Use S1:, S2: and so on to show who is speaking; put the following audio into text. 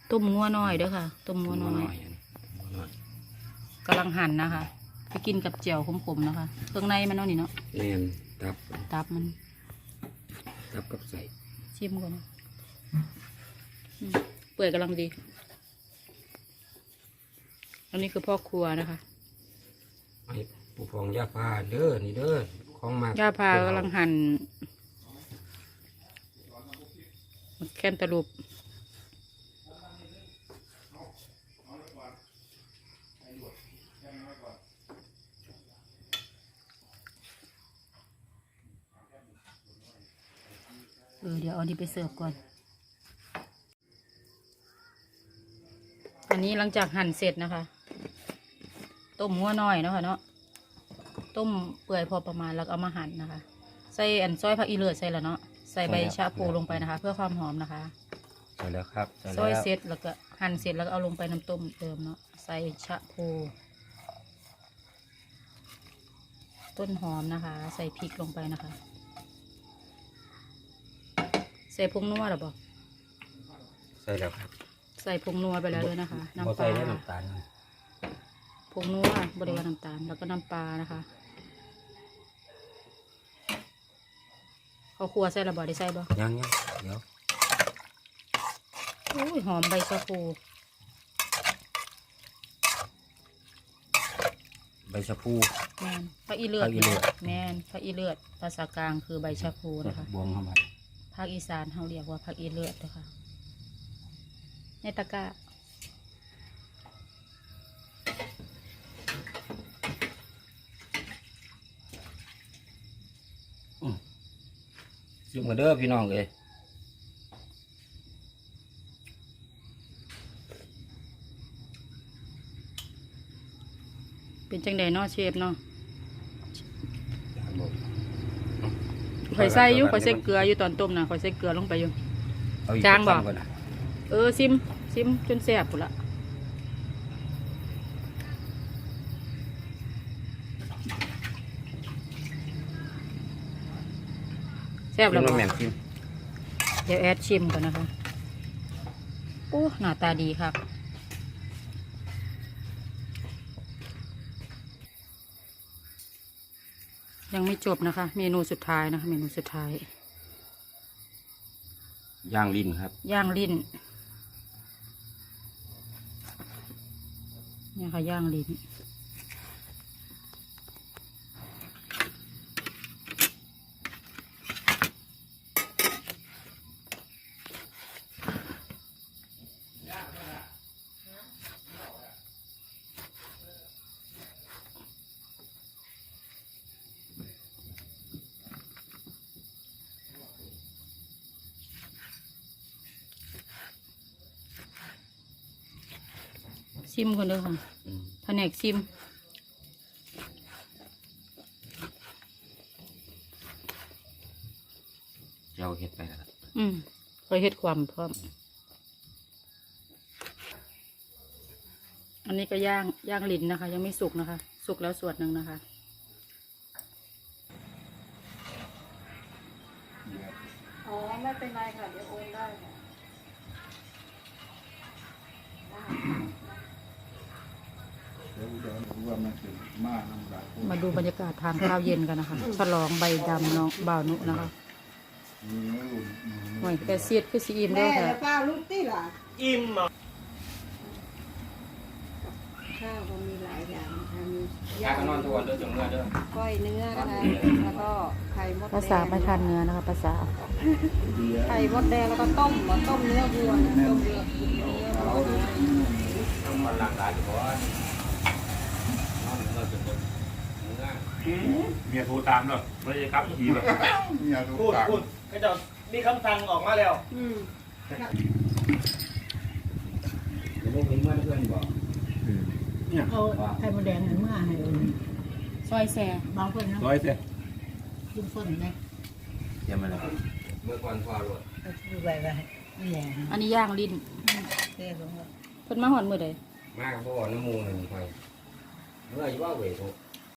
S1: ต้มงัวน้อยเด้อค่ะต้มงัวน้อยกำลังหั่นนะคะไปกินกับแจ่วขมๆนะคะเครื่องในมันเนาะนี่เนาะ
S2: แน่น
S1: ตับมัน
S2: ตับกับใส่
S1: ชิมก่อนนะเปื่อยกำลังดีอันนี้คือพ่อครัวนะคะ
S2: ไอ้ผู้ฟองยาพาเด้อนี่เด้อของมาก
S1: ยาพากำลังหั่นแคนตาลูปเดี๋ยวเอาดีไปเสิร์ฟก่อนอันนี้หลังจากหั่นเสร็จนะคะต้มหัวน้อยเนาะค่ะเนาะต้มเปื่อยพอประมาณแล้วเอามาหั่นนะคะใส่อันซอยผักอีเลือดใส่แล้วเนาะใส่ใบชะพูลงไปนะคะ เพื่อความหอมนะคะ
S2: ใส่แล้วครับ
S1: ซอยเสร็จแล้วก็หั่นเสร็จแล้วก็เอาลงไปน้ำต้มเติมเนาะใส่ชะพูต้นหอมนะคะใส่พริกลงไปนะคะใส่ผงนัวหรือเปล่า
S2: ใส่แล้วครับ
S1: ใส่ผงนัวไปแล้วด้วยนะคะน้ำปลาผงนัวบริวารน้ำตาลแล้วก็น้ำปลานะคะเขาครัวใส่ระเบิดได้ใส่บ่
S2: ยังเดี๋ยว
S1: โอ้ยหอมใบชะพู
S2: ใบชะพู
S1: แมนผักอีเลือดแมนผักอีเลือดภาษากลางคือใบชะพูนะคะ
S2: บวงเข้ามา
S1: ภาคอีสานเขาเรียกว่าผักอีเลือดนะคะในตะกร้า
S2: ซิมกันเด้อพี่น้องเลย
S1: เป็นจังใดเนาะเชฟเนาะข่อยใส่อยู่ข่อยใส่เกลืออยู่ตอนต้มนะข่อยใส่เกลือลงไปอยู่จางบอกซิมจนแซ่บหมดละแซ่บแล้วบ่เดี๋ยวแอดชิมก่อนนะคะโอ้หน้าตาดีครับยังไม่จบนะคะเมนูสุดท้ายนะคะเมนูสุดท้าย
S2: ย่างลิ้นครับ
S1: ย่างลิ้นนี่ค่ะย่างลิ้นซิมคนเดียวค่ะแผนกซิม
S2: เราเห็ดไปแล้ว
S1: เคยเห็ดความพร้อมอันนี้ก็ย่างลิ้นนะคะยังไม่สุกนะคะสุกแล้วส่วนหนึ่งนะคะอ๋อไม่เป็นไรค่ะเดี๋ยวโอนได้ค่ะมาดูบรรยากาศทานข้าวเย็นกันนะคะฉลองใบดำน้องบ่าวนุนะคะหน่อยแต่เสียดคือสีอิ่มด้วยค่ะ
S3: ข้าวลูกตี้ล่ะ
S4: อิ่ม
S3: ข้าวก็มีหลายอย่างนะคะมี
S2: ย่างนอนทุกวันเด้อจงเนื้อเด้อ
S3: ก้อยเนื้อนะคะแล้วก็ไข่มดแดง
S1: ภาษาไม่ทันเนื้อนะคะภาษา
S3: ไข่มดแดงแล้วก็ต้มเนื้อวัวนะต้มเนื้อ
S2: ทำมันหลากหลายอยู่เพราะว่า
S4: เมียโทรตามเนาะไม่ใช่ครับทีแบบพูดก็จะมีคำสั่งออกมาแล้ว
S2: เดี๋ยวพวกนี้เมื่อเพื่อนบอก
S3: เอาไข่มดแดงเมื่อให้
S1: ซอยแซ่
S3: บางคนนะ
S4: ร้อยเสีย
S3: กินคนนะ
S2: เดี๋ยวมาแล้วเมื่อก่อนพอรวด
S3: ดูใบไม่แหลม
S1: อันนี้ย่างลิ้น
S3: เท่ลง
S1: เพิ่นมาหอนมือใด
S2: มากเพราะว่าน้ำมูกหนึ่งไปเมื่ออยู่ว่าเวทุก